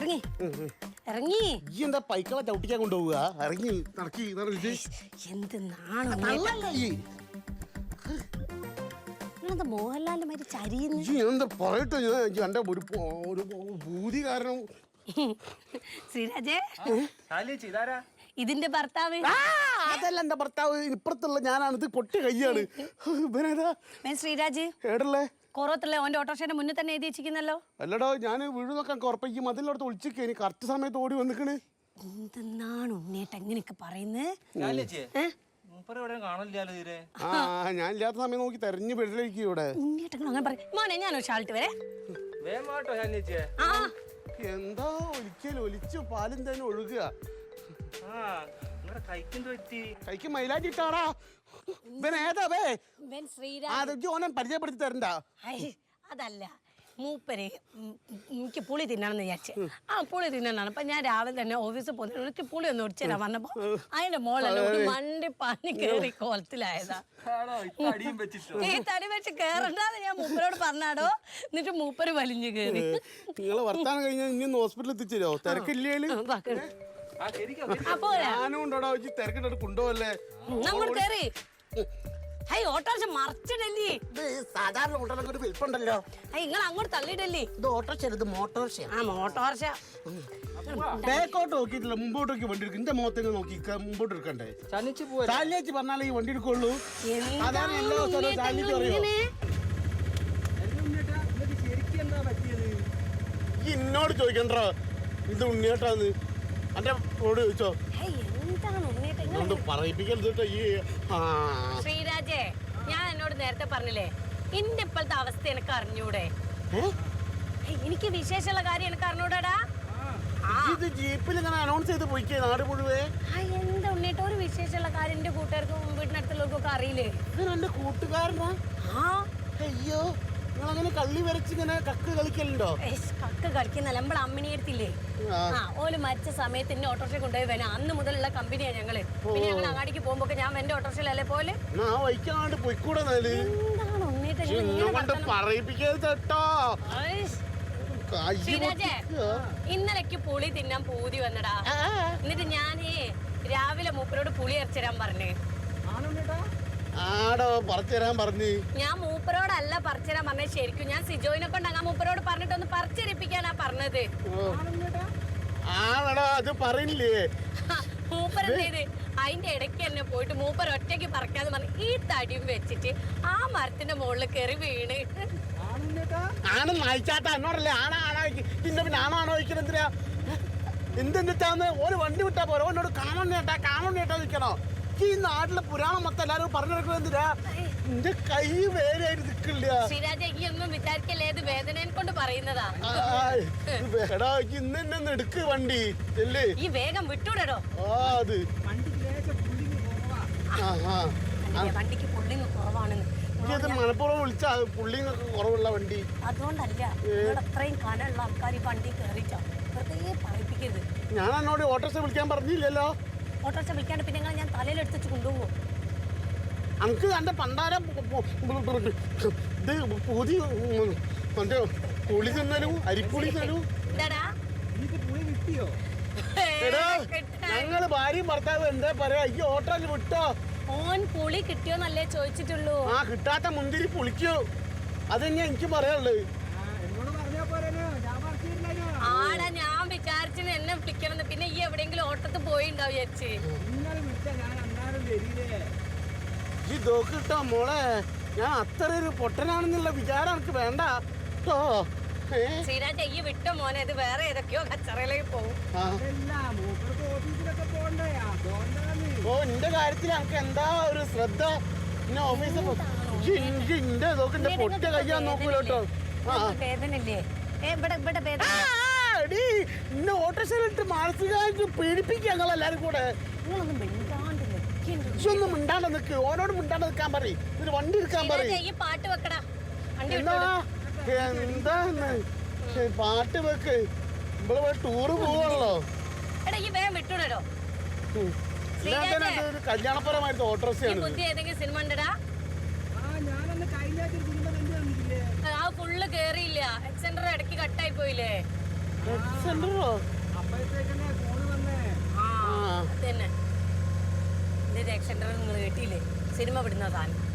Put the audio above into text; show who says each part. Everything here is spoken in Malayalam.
Speaker 1: ഇറങ്ങി ഇറങ്ങി.
Speaker 2: ഈ എന്താ പൈക്കളെ ചവിട്ടിക്കാൻ കൊണ്ടുപോവുക? ഇറങ്ങി നടക്കി
Speaker 1: എന്ത് നാണോ മോഹൻലാലിന്റെ മാതിരി ചരിയുന്നു.
Speaker 2: എന്താ പറയട്ടെ, എന്റെ ഒരു ഭൂതി കാരണം.
Speaker 1: ശ്രീരാജേ, ഇതിന്റെ ഭർത്താവ്
Speaker 2: അതല്ല എന്റെ ഭർത്താവ്, ഇപ്പുറത്തുള്ള ഞാനാണ്. ഇത് പൊട്ടി കയ്യാണ്.
Speaker 1: ശ്രീരാജ്
Speaker 2: ഏടല്ലേ
Speaker 1: കൊറോത്തല്ലേ ഓന്റെ ഓട്ടോറിക്ഷയുടെ മുന്നിൽ തന്നെ എഴുതി വെച്ചിരിക്കുന്നല്ലോ.
Speaker 2: അല്ലടോ, ഞാൻ വീട് നോക്കാൻ കുറപ്പയ്ക്കും അതിലോടത്ത് ഒളിച്ചിക്കേനി. കറക്റ്റ് സമയത്ത് ഓടി വന്നിക്കണ്.
Speaker 1: എന്തെന്നാണ് ഉണ്ണേട്ട എങ്ങനെയൊക്കെ പറയുന്നത്?
Speaker 2: ഞാൻ ഇല്ലാത്ത സമയം നോക്കി തെരഞ്ഞു പെടലേക്ക് ഇവിടെ.
Speaker 1: അങ്ങനെ പറയും മോനെ, ഞാൻ ഒരു ഷാൾട്ട് വരെ.
Speaker 2: എന്താ ഒലിച്ചു പാലും തന്നെ ഒഴുകുക. കൈക്ക് മൈലാഞ്ചി ഇട്ടാടാ. ഇവൻ ഏതാവേ? ഓനെ പരിചയപ്പെടുത്തി തരണ്ട.
Speaker 1: അതല്ല മൂപ്പര് എനിക്ക് പുളി തിന്നണമെന്ന് വിചാരിച്ചു. ആ പുളി തിന്നാണ്. അപ്പൊ ഞാൻ രാവിലെ തന്നെ ഓഫീസിൽ പോകുന്ന എനിക്ക് പുളി ഒന്ന് ഒടിച്ചരാൻ വന്നപ്പോ അതിന്റെ മോളല്ല ഒരു മണ്ടി പനി കേറി കോലത്തിലായതാ. ഈ തടി വെച്ച് കേറണ്ടാന്ന് ഞാൻ മൂപ്പരോട് പറഞ്ഞാടോ. എന്നിട്ട് മൂപ്പര് വലിഞ്ഞു കേറി.
Speaker 2: നിങ്ങളെ വർത്താനം കഴിഞ്ഞാൽ ഇനി ഹോസ്പിറ്റലിൽ എത്തിച്ചോ? തിരക്കില്ലേ? ഞാനും ഉണ്ടോടാ തിരക്കിട്ട് കൊണ്ടുപോകല്ലേ?
Speaker 1: നമ്മൾ കേറി. ഓട്ടോറിക്ഷ മറിച്ചിടല്ലേ?
Speaker 2: സാധാരണ ഓട്ടോറിക്ഷ വിൽപ്പുണ്ടല്ലോ.
Speaker 1: നിങ്ങൾ അങ്ങോട്ട് തള്ളിയിടല്ലേ?
Speaker 2: ഇത് ഓട്ടോറിക്ഷ, ഇത് മോട്ടോറിക്ഷ.
Speaker 1: ആ മോട്ടോറിക്ഷ.
Speaker 2: ബാക്കോട്ട് നോക്കിയിട്ടില്ല, മുമ്പോട്ടേക്ക് വണ്ടി എടുക്കും. എന്റെ മുഖത്തേക്ക് നോക്കി മുമ്പോട്ട് എടുക്കണ്ടേ? ചാലിയേച്ചി പറഞ്ഞാലേ ഈ വണ്ടി എടുക്കുള്ളൂ. സാധാരണ എല്ലാ ദിവസവും ചാലിയേച്ചി പറയോ? ഈ എന്നോട് ചോദിക്കണ്ടോ ഇത് ഉണ്ണിയേട്ടാന്ന്? എന്റെ റോഡ് ചോദിച്ചോ?
Speaker 1: ശ്രീരാജേ, ഞാൻ എന്നോട് നേരത്തെ പറഞ്ഞില്ലേ എന്റെ ഇപ്പോഴത്തെ അവസ്ഥ എനിക്ക് അറിഞ്ഞൂടെ? എനിക്ക് വിശേഷമുള്ള കാര്യം എനിക്ക് അറിഞ്ഞൂടാ.
Speaker 2: ജീപ്പിൽ ഇങ്ങനെ അനൗൺസ് ചെയ്ത് പോയിക്കേ നാട് മുഴുവേ.
Speaker 1: എന്താ ഉണ്ണിട്ട് ഒരു വിശേഷമുള്ള കാര്യം എന്റെ കൂട്ടുകാർക്കും വീട്ടിനടുത്തുള്ളവർക്കൊക്കെ അറിയില്ലേ?
Speaker 2: എന്റെ കൂട്ടുകാരനാ? അയ്യോ, നിങ്ങളങ്ങനെ കള്ളി വരച്ചിങ്ങനെ കക്ക് കളിക്കലുണ്ടോ?
Speaker 1: കക്ക് കളിക്കുന്നല്ല, നമ്മളെ അമ്മിണി എടുത്തില്ലേ? ഓല് മരിച്ച സമയത്ത് എന്നെ ഓട്ടോറിക്ഷ കൊണ്ടുപോയി വേണം. അന്ന് മുതലുള്ള കമ്പനിയാ ഞങ്ങള്. പിന്നെ ഞങ്ങൾ അങ്ങാടിക്ക് പോകുമ്പോ ഞാൻ എന്റെ ഓട്ടോറിക്ഷയിലല്ലേ പോലെ. ഇന്നലേക്ക് പുളി തിന്നാൻ പൂതി വന്നടാ. എന്നിട്ട് ഞാൻ രാവിലെ മൂപ്പരോട് പുളി അരച്ചിടാൻ പറഞ്ഞേ.
Speaker 2: ആടോ പറിച്ചരാൻ പറഞ്ഞു.
Speaker 1: ഞാൻ മൂപ്പരോടല്ല പറിച്ചരാൻ പറഞ്ഞത്. ശരിക്കും ഞാൻ സിജോയിനെ കൊണ്ട് അങ്ങ് മൂപ്പരോട് പറഞ്ഞിട്ടൊന്ന് പറിച്ചരിപ്പിക്കാനാ പറഞ്ഞത്.
Speaker 2: ആണോ അത് പറയില്ലേ?
Speaker 1: മൂപ്പരെന്തേത് അതിന്റെ ഇടയ്ക്ക് തന്നെ പോയിട്ട് മൂപ്പർ ഒറ്റയ്ക്ക് പറിക്കാന്ന് പറഞ്ഞു ഈ തടിയും വെച്ചിട്ട് ആ മരത്തിന്റെ മുകളിൽ കയറി വീണ്.
Speaker 2: ആണ് നയിച്ചാട്ട എന്നോടല്ലേ ആണോ പിന്നെ പിന്നെ ആണോ ചോദിക്കണെന്തിനാ? എന്തെന്നിട്ടാന്ന് ഒരു വണ്ടി വിട്ടാ പോരോ? എന്നോട് കാമണ്ണേട്ടാ നിൽക്കണോ? ഈ നാട്ടിലെ പുരാണം മൊത്തം എല്ലാരും പറഞ്ഞെടുക്കുന്നത് എന്തിനാ? എന്റെ കൈ വേദനയായിട്ട് നിൽക്കില്ല.
Speaker 1: ഒന്നും വിചാരിക്കല്ലേ, ഇത് വേദനയെ കൊണ്ട് പറയുന്നതാ.
Speaker 2: ഇന്ന് എടുക്ക് വണ്ടി
Speaker 1: ഈ വേഗം വിട്ടൂടോ.
Speaker 2: അത്
Speaker 1: വണ്ടിക്ക് പുള്ളിങ് കുറവാണെന്ന്
Speaker 2: മലപ്പുറം വിളിച്ചാ പുള്ളിങ് കുറവുള്ള വണ്ടി.
Speaker 1: അതുകൊണ്ടല്ല അത്രയും കനമുള്ള ആൾക്കാർ ഈ വണ്ടി കയറിച്ചാ വെറുതെ പറയിപ്പിക്കരുത്.
Speaker 2: ഞാൻ എന്നോട് ഓട്ടോറിക്ഷ വിളിക്കാൻ പറഞ്ഞില്ലല്ലോ.
Speaker 1: ഓട്ടോറിക്ഷ വിളിക്കാണ്ട് പിന്നെ ഞാൻ തലയിലെടുത്ത് കൊണ്ടുപോകും.
Speaker 2: അനക്ക് എന്റെ പണ്ടാരം ഇത് പൂതി മറ്റേ പുളി തിന്നലും അരിപ്പുളി തിന്നലും. ഞങ്ങള് ഭാര്യയും ഭർത്താവ് എന്താ പറയാ? ഈ ഓട്ടോയിൽ വിട്ടോ?
Speaker 1: ഓൻ പുളി കിട്ടിയോന്നല്ലേ ചോദിച്ചിട്ടുള്ളൂ.
Speaker 2: ആ കിട്ടാത്ത മുന്തിരി പുളിക്കോ? അതന്നെയാ എനിക്ക് പറയാനുള്ളത്.
Speaker 1: ആടാ ഞാൻ വിചാരിച്ചത് എന്നെ വിളിക്കണം. പിന്നെ ഈ എവിടെയെങ്കിലും ഓട്ടത്ത് പോയിണ്ടാവും വിചാരിച്ച്.
Speaker 2: ഈ ദോക്ക് കിട്ടോ മോളെ? ഞാൻ അത്ര ഒരു പൊട്ടനാണെന്നുള്ള വിചാരം എനിക്ക് വേണ്ട.
Speaker 1: ശ്രീരാജ ഈ വിട്ടോ മോനെ, ഇത് വേറെ ഏതൊക്കെയോ കച്ചറയിലേക്ക് പോകും.
Speaker 2: ഓ എന്റെ കാര്യത്തിൽ എനിക്ക് എന്താ ഒരു ശ്രദ്ധ. പിന്നെ ഓഫീസിൽ എന്റെ ഇതൊക്കെ പൊട്ട കയ്യാൻ നോക്കൂലോട്ടോ.
Speaker 1: വേദനല്ലേ?
Speaker 2: ഓട്ടോറിക്ഷയിലിട്ട് മാനസികമായിട്ട് പീഡിപ്പിക്കുക ഞങ്ങളെല്ലാരും കൂടെ. ഒന്നും മിണ്ടാണ്ട് നിക്ക്, ഓനോട് മിണ്ടാണ്ട് നിൽക്കാൻ പറയും. ഇതിന് വണ്ടി എടുക്കാൻ പറയും.
Speaker 1: പാട്ട് വെക്കടാ.
Speaker 2: എന്താന്ന് പാട്ട് വെക്ക്. ഇവിടെ ടൂറ് പോവാണല്ലോ. കല്യാണപരമായിട്ട് ഓട്ടോറിക്ഷയാണ്.
Speaker 1: സിനിമ ഉണ്ടടാ? ആ ഫുള്ള് കേറിയില്ല. എക്സെൻഡർ ഇടയ്ക്ക് കട്ടായി പോയില്ലേ?
Speaker 2: സെന്ററോ
Speaker 1: ആ അത് തന്നെ ഇത് രക്ഷ സെന്റർ നിങ്ങൾ കേട്ടില്ലേ സിനിമ വിടുന്ന സാധനം